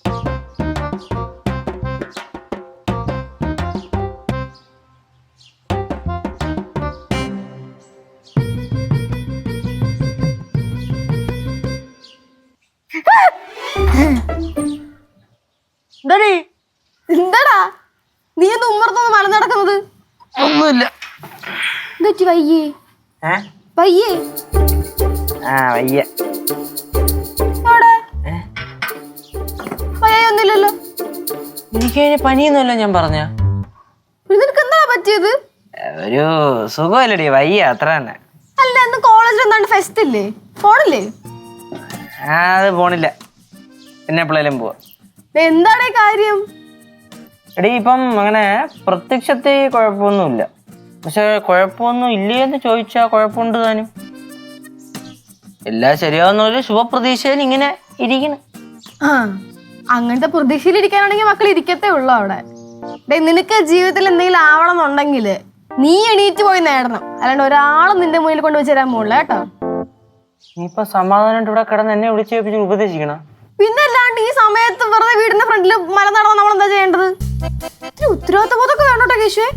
എന്താടാ നീ ഒന്ന് ഉമ്മർത്തൊന്ന് മല നടക്കുന്നത്? ഒന്നുമില്ല. വയ്യേ വയ്യേ വയ്യ. വയ്യൊന്നുമില്ലല്ലോ. എനിക്ക് പനിയൊന്നുമല്ല ഞാൻ പറഞ്ഞ. നിനക്ക് എന്താ പറ്റിയത്? ഒരു സുഖമല്ലടി, വയ്യ അത്ര തന്നെ. അല്ല ഇന്ന് കോളേജിൽ എന്താണ്ട് ഫെസ്റ്റ് ഇല്ലേ, പോണില്ലേ? അത് പോണില്ല, പിന്നെ എപ്പോഴേലും പോവാ. എന്താണ് കാര്യം? എടീ ഇപ്പം അങ്ങനെ പ്രത്യക്ഷത്തിൽ കുഴപ്പമൊന്നുമില്ല, പക്ഷെ കുഴപ്പമൊന്നും ഇല്ലേന്ന് ചോദിച്ചാ കുഴപ്പമുണ്ട് താനും. എല്ലാം ശരിയാവുന്ന ഒരു ശുഭപ്രതീക്ഷയിൽ ഇങ്ങനെ ഇരിക്കണം. അങ്ങനത്തെ പ്രതീക്ഷയിലിരിക്കാനാണെങ്കിൽ മക്കൾ ഇരിക്കത്തേ ഉള്ളു അവിടെ. നിനക്ക് ജീവിതത്തിൽ എന്തെങ്കിലും ആവണം എന്നുണ്ടെങ്കിൽ നീ എണീറ്റ് പോയി നേടണം, അല്ലാണ്ട് ഒരാളും നിന്റെ മുന്നിൽ കൊണ്ടുവച്ച് തരാൻ പോകില്ല കേട്ടോ. നീ ഇപ്പൊ സമാധാനമായിട്ട് ഇവിടെ കിടന്ന് എന്നെ വിളിച്ച് ഉപദേശിക്കണം. പിന്നെ അല്ലാണ്ട് ഈ സമയത്ത് വെറുതെ വീടിന്റെ ഫ്രണ്ടിൽ മല നടന്ന നമ്മൾ എന്താ ചെയ്യേണ്ടത്? ഉത്തരവാദിത്ത ബോധമൊക്കെ വേണോട്ടോ കേശുവേ.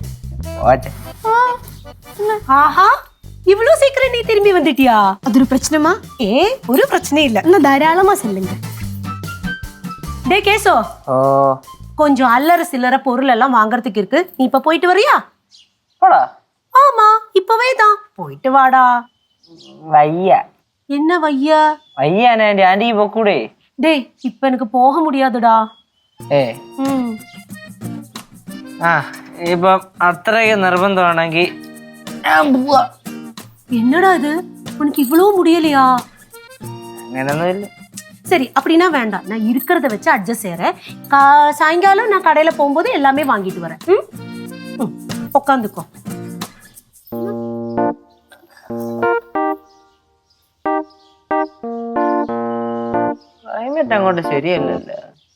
இவ்வளவு சீக்கிரம் நீ திரும்பி வந்துட்டியா? அது ஒரு பிரச்சனைமா? ஒரு பிரச்சனை இல்ல. இன்னும் தாராளமா சொல்லுங்க. டே கேசோ, கொஞ்சம் அல்லற சில்லற பொருள் எல்லாம் வாங்குறதுக்கு இருக்கு, நீ இப்ப போயிட்டு வரியா? போடா. ஆமா இப்பவே தான் போயிட்டு வாடா. வையா. என்ன வையா? வையா ஆண்டி, ஆண்டி போக்கூடே. டேய் இப்ப எனக்கு போக முடியாதுடா. ഇപ്പൊ അത്രയ്ക്ക് നിർബന്ധമാണെങ്കിൽ என்னடா இது, உனக்கு இவ்வளவு முடியலையா? അങ്ങനൊന്നുമില്ല. சரி அப்படின்னா வேண்டாம், நான் இருக்கிறத வச்சு அட்ஜஸ்ட் செய்யறேன். சாயங்காலம் நான் கடையில போகும்போது எல்லாமே வாங்கிட்டு வரேன். உட்காந்துக்கோ. ക്ലൈമറ്റ് അങ്ങോട്ട് ശരിയല്ലല്ലോ.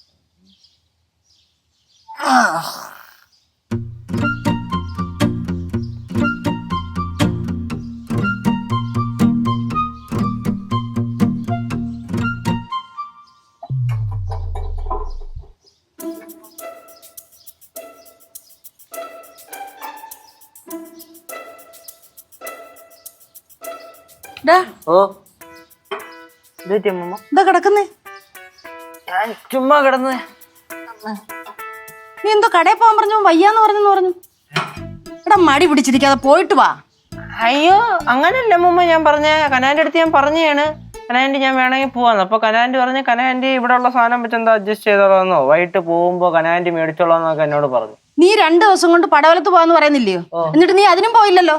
ഞാൻ ചുമ്മാ കിടന്ന്. നീ എന്തോ കടയിൽ പോകാൻ പറഞ്ഞു, വയ്യാന്ന് പറഞ്ഞു. എടാ മടി പിടിച്ചിരിക്കാതെ പോയിട്ട് വാ. അയ്യോ അങ്ങനല്ല മുമ്പ് ഞാൻ പറഞ്ഞ കനാന്റെ അടുത്ത് ഞാൻ പറഞ്ഞാണ്, കനാൻറ്റി ഞാൻ വേണമെങ്കിൽ പോവാന്ന്. അപ്പൊ കനാൻറ്റി പറഞ്ഞ് കനാൻറ്റി ഇവിടെ ഉള്ള സാധനം വെച്ച് എന്താ അഡ്ജസ്റ്റ് ചെയ്തോളാന്നോ, വൈകിട്ട് പോകുമ്പോ കനാൻറ്റി മേടിച്ചോളാന്നൊക്കെ എന്നോട് പറഞ്ഞു. നീ 2 ദിവസം കൊണ്ട് പടവലത്ത് പോവാന്ന് പറയുന്നില്ലയോ, എന്നിട്ട് നീ അതിനും പോയില്ലല്ലോ.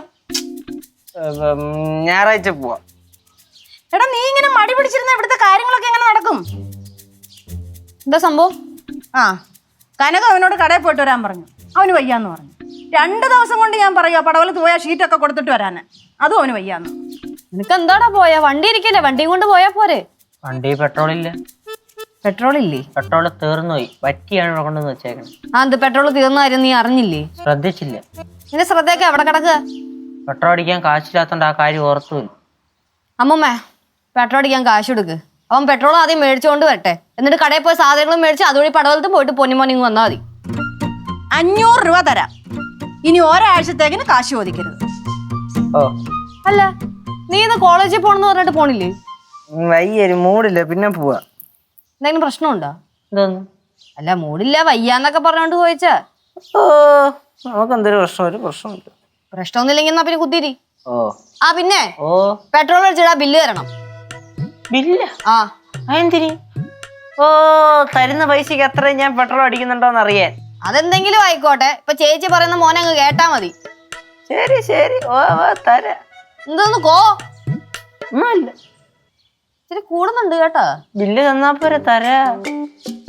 ഞായറാഴ്ച പോവാ. എടാ നീ ഇങ്ങനെ മടി പിടിച്ചിരുന്ന ഇവിടുത്തെ കാര്യങ്ങളൊക്കെ എങ്ങനെ നടക്കും? എന്താ സംഭവം? കനക അവനോട് കടയിൽ പോയിട്ട് വരാൻ പറഞ്ഞു, അവന് വയ്യാന്ന് പറഞ്ഞു. 2 ദിവസം കൊണ്ട് ഞാൻ പറയുക പടവലത്ത് പോയാൽ ഷീറ്റൊക്കെ കൊടുത്തിട്ട് വരാന്, അതും അവന് വയ്യാന്ന്. നിനക്ക് എന്താടാ പോയാ, വണ്ടി ഇരിക്കല്ലേ, വണ്ടിയും കൊണ്ട് പോയാ പോരെ. വണ്ടി പെട്രോൾ ഇല്ല. പെട്രോൾ ഇല്ലേ? പെട്രോൾ തീർന്നുപോയി, വറ്റിയാണ് ഇവിടെ കൊണ്ടുവന്ന് വെച്ചേക്കണം. അത് പെട്രോൾ തീർന്ന കാര്യം നീ അറിഞ്ഞില്ലേ? ശ്രദ്ധിച്ചില്ല. നിന്റെ ശ്രദ്ധയൊക്കെ എവിടെ കിടക്കുക? പെട്രോൾ അടിക്കാൻ കാശില്ലാത്തോണ്ട് ആ കാര്യം ഓർത്തുമില്ല. അമ്മമ്മേ പെട്രോൾ അടിക്കാൻ കാശ് കൊടുക്ക്, അവൻ പെട്രോൾ ആദ്യം മേടിച്ചുകൊണ്ട് വരട്ടെ, എന്നിട്ട് കടയിൽ പോയി സാധനങ്ങളും മേടിച്ച് അതുവഴി പടവലത്ത് പോയിട്ട് പൊന്നിമോനിങ് വന്നാൽ മതി. 500 രൂപ തരാം, ഇനി ഒരാഴ്ചത്തേക്കിന് കാശ് ചോദിക്കരുത്. അല്ല നീ ഇന്ന് കോളേജിൽ പോണെന്ന് പറഞ്ഞിട്ട് പോണില്ലേ? വയ്യൊരു മൂടില്ല, പിന്നെ പോവാ. എന്തെങ്കിലും പ്രശ്നമുണ്ടോ? എന്തോന്നു? അല്ല മൂടില്ല വയ്യാന്നൊക്കെ പറഞ്ഞോണ്ട് ചോദിച്ചാ. നമുക്ക് എന്തൊരു പ്രശ്നം, ഒരു പ്രശ്നമില്ല. പ്രശ്നമൊന്നുമില്ലെങ്കിൽ എന്നാ പിന്നെ കുത്തിരി. പിന്നെ പെട്രോൾ അടിച്ചിടാ ബില്ല് തരണം. ബില്ല? അതെന്തിരി? തരുന്ന പൈസക്ക് എത്ര ഞാൻ പെട്രോൾ അടിക്കുന്നുണ്ടോന്ന് അറിയാൻ. അതെന്തെങ്കിലും ആയിക്കോട്ടെ, ഇപ്പൊ ചേച്ചി പറയുന്ന മോനെ അങ്ങ് കേട്ടാ മതി. ശരി ശരി തരാം. എന്തോന്ന് കോ ഒന്നുമില്ല, ഇച്ചിരി കൂടുന്നുണ്ട് കേട്ടോ. ബില്ല് തന്നാ പോരെ, തരാ.